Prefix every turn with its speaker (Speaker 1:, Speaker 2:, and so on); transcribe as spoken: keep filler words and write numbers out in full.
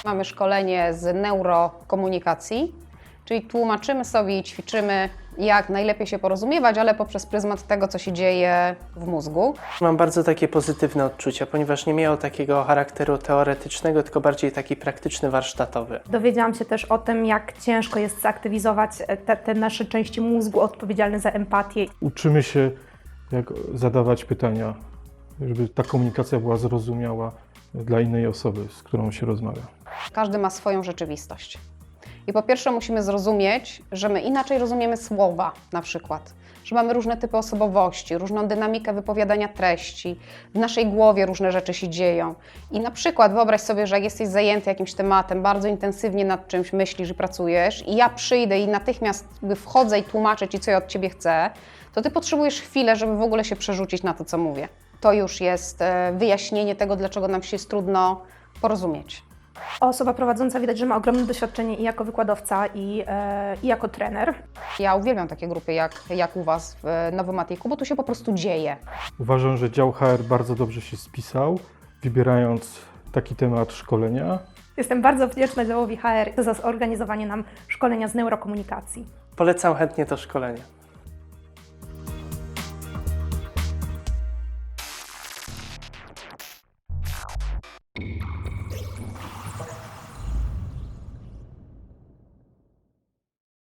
Speaker 1: Mamy szkolenie z neurokomunikacji, czyli tłumaczymy sobie i ćwiczymy, jak najlepiej się porozumiewać, ale poprzez pryzmat tego, co się dzieje w mózgu.
Speaker 2: Mam bardzo takie pozytywne odczucia, ponieważ nie miało takiego charakteru teoretycznego, tylko bardziej taki praktyczny, warsztatowy.
Speaker 3: Dowiedziałam się też o tym, jak ciężko jest zaktywizować te, te nasze części mózgu odpowiedzialne za empatię.
Speaker 4: Uczymy się, jak zadawać pytania, żeby ta komunikacja była zrozumiała dla innej osoby, z którą się rozmawia.
Speaker 1: Każdy ma swoją rzeczywistość. I po pierwsze musimy zrozumieć, że my inaczej rozumiemy słowa na przykład, że mamy różne typy osobowości, różną dynamikę wypowiadania treści, w naszej głowie różne rzeczy się dzieją. I na przykład wyobraź sobie, że jak jesteś zajęty jakimś tematem, bardzo intensywnie nad czymś myślisz i pracujesz i ja przyjdę i natychmiast wchodzę i tłumaczę Ci, co ja od Ciebie chcę, to Ty potrzebujesz chwilę, żeby w ogóle się przerzucić na to, co mówię. To już jest wyjaśnienie tego, dlaczego nam się jest trudno porozumieć.
Speaker 3: Osoba prowadząca widać, że ma ogromne doświadczenie i jako wykładowca, i, e, i jako trener.
Speaker 1: Ja uwielbiam takie grupy jak, jak u Was w Nowomatiku, bo tu się po prostu dzieje.
Speaker 4: Uważam, że dział H R bardzo dobrze się spisał, wybierając taki temat szkolenia.
Speaker 3: Jestem bardzo wdzięczna działowi H R za zorganizowanie nam szkolenia z neurokomunikacji.
Speaker 2: Polecam chętnie to szkolenie.